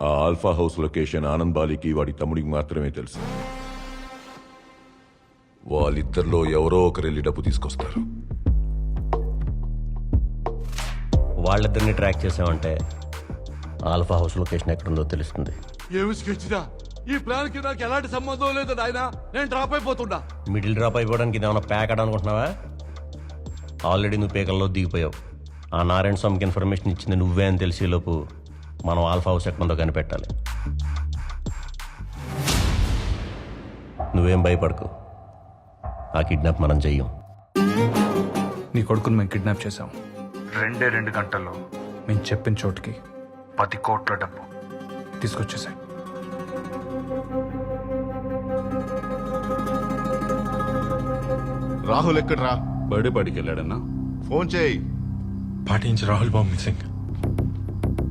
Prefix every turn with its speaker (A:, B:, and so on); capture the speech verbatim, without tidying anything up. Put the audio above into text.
A: ఆ alpha house location Anand బాలికి వాడి తమ్ముడికి మాత్రమే తెలుసు. వాళ్ళిద్దరిలో ఎవరో ఒకరు వెళ్ళి డబ్బు తీసుకొస్తారు.
B: వాళ్ళిద్దరిని ట్రాక్ చేసామంటే ఆల్ఫా హౌస్ లొకేషన్ ఎక్కడుందో తెలుస్తుంది.
C: ఏమి స్కెచ్దా? ఈ ప్లాన్ కి నాకు ఎలాంటి సంబంధం లేదు నాయన. నేను డ్రాప్ అయిపోతున్నా.
B: మిడిల్ డ్రాప్ అయిపోవడానికి ఇది ఏమైనా ప్యాక్ అనుకుంటున్నావా? ఆల్రెడీ నువ్వు పేకల్లో దిగిపోయావు. ఆ నారాయణ స్వామికి ఇన్ఫర్మేషన్ ఇచ్చింది నువ్వే అని తెలిసేలోపు మనం ఆల్ఫా హౌస్ ఎక్కడుందో కనిపెట్టాలి. నువ్వేం భయపడకు, ఆ కిడ్నాప్ మనం చెయ్యం.
D: నీ కొడుకుని మేము కిడ్నాప్ చేశాం. రెండే రెండు గంటల్లో మేము చెప్పిన చోటుకి పది కోట్ల డబ్బు తీసుకొచ్చేసాయి.
E: రాహుల్ ఎక్కడ్రా?
C: బర్త్డే పార్టీకి వెళ్ళాడన్నా.
E: ఫోన్ చేయి.
F: పార్టీ నుంచి రాహుల్ బాబు మిస్సింగ్.